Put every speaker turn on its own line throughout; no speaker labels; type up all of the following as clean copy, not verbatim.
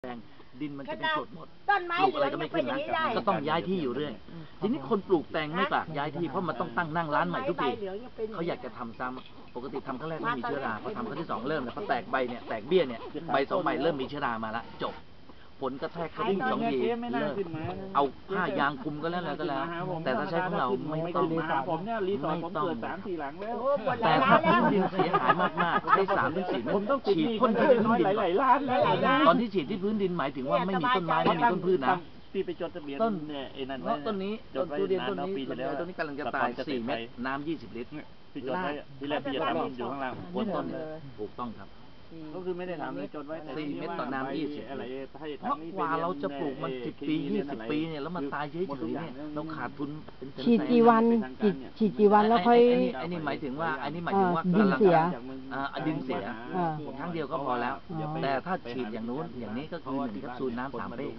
แดงดินมันจะเป็นกรดหมด
ต้นไม้
ปลูกอะไรก็ไม่ขึ้นนะก็ต้องย้ายที่อยู่เรื่อยทีนี้คนปลูกแตงไม่ปากย้ายที่เพราะมันต้องตั้งนั่งร้านใหม่ทุกทีเขาอยากจะทำซ้ำปกติทำครั้งแรกไม่มีเชื้อราพอทำครั้งที่สองเริ่มแล้วพอแตกใบเนี่ยแตกเบี้ยเนี่ยใบสองใบเริ่มมีเชื้อรามาละจบผลกระแทกกระดิ่งสองทีเลิกเอาผ้ายางคุมก็แล้วแต่ถ้าใช้ของเราไม่ต้อง
ผมเนี่ยรีสอร์ทผมเกิด3-4 หลังแล้ว
แต่ถ้าพื้นดินเสียหายมากๆได้3-4 เมตรฉีดพ่นที่พื้นดิน
หลายล้าน
ตอนที่ฉีดที่พื้นดินหมายถึงว่าไม่มีต้นไม้ไม่มีต้นพืชนะ
พี่ไปจดทะเบียน
ต้น
เนี่ยไอ้นั่น
ต้นนี้ต้นทุเรียนต้นนี้ต้นนี้กำลังจะตาย4 เม็ดน้ำ20 ลิตร
พี่จดไว้ที่แรกพี่จะทำอยู่ข้างล่าง
บนต้นถูกต้องครับ
ก็คือไม่ได้ทำเลยจดไว้
4 เม็ดต่อน้ำ20
อะไร
เพราะกว่าเราจะปลูกมัน10 ปี20 ปีเนี่ยแล้วมันตายเฉยๆเนี่ยเราขาดทุนเป็นแสน
ฉีดกี่วันแล้วค่อย
ไอ้นี่หมายถึงว่า
ดินเสีย
ดินเสียครั้งเดียวก็พอแล้วแต่ถ้าฉีดอย่างนู้นอย่างนี้ก็คือ1 แคปซูลน้ำ3 เป้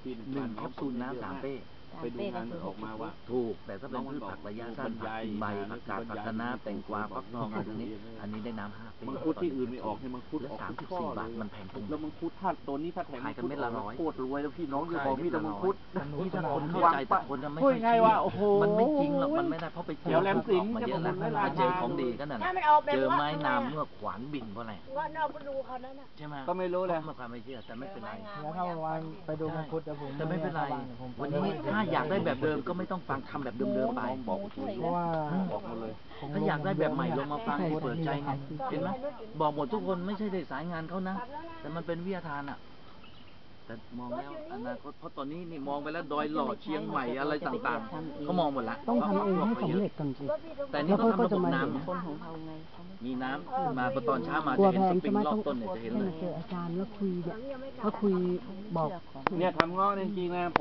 1 แคปซูลน้ำ3 เป้
ไปดูงานออกมาว่า
ถูกแต่ถ้าเป็นพืชผักระยะสั้นผักใบผักกาดผักคะน้าแตงกวาฟักทองอันนี้ได้น้ำ5 เป้
มังคุดที่อื่นไม่ออกให้มังคุด
ออก34 บาทมันแพงตรง
แล้วมังคุดถ้าตัวนี้ถ้าแถม
ขายกันเม็ดละ100
โคตรรวยแล้วพี่น้องจะบอกมีแต่มังคุด
ที่ถ้าคนเข้าใจแต่คนไม่
ไงว่าโอ้โห
มันไม่จริงหรอกมันไม่ได้เพราะไปเจอของมาเยอะแล้วมาเจอของดีก็นั่นเจอไม้น้ำเมื่อขวานบินเพราะอะไรใช่ไหม
ก็ไม่รู้เลย
มาความไม่เชื่อแต่ไม่เป็นไร
แล้วถ้าวันไปดูมังคุด
แต่ไม่เป็นไรวันนี้ถ้าอยากได้แบบเดิมก็ไม่ต้องฟังทำแบบเดิมๆไป
เพราะว่า
บอกมาเลย
ถ้าอยากได้แบบใหม่ลงมาฟังเปิดใจไงเห็นไหมบอกหมดทุกคนไม่ใช่ได้สายงานเขานะแต่มันเป็นวิทยาทานอ่ะแต่มองแล้วอนาคตเพราะตอนนี้นี่มองไปแล้วดอยหล่อเชียงใหม่อะไรต่างๆเขามองหมดละ
ต้องทำเองให้สำเร็จก่อนสิ
แต่นี่เขาทำระบบน้ำมีน้ำมาพอตอนเช้ามาจะเห็นสปริงรอบต้นเนี่ยจะเห็นเลย
เจออาจารย์แล้วคุยเนี่ยเขาคุยบอก
เนี่ยทำง้อจริงๆนะ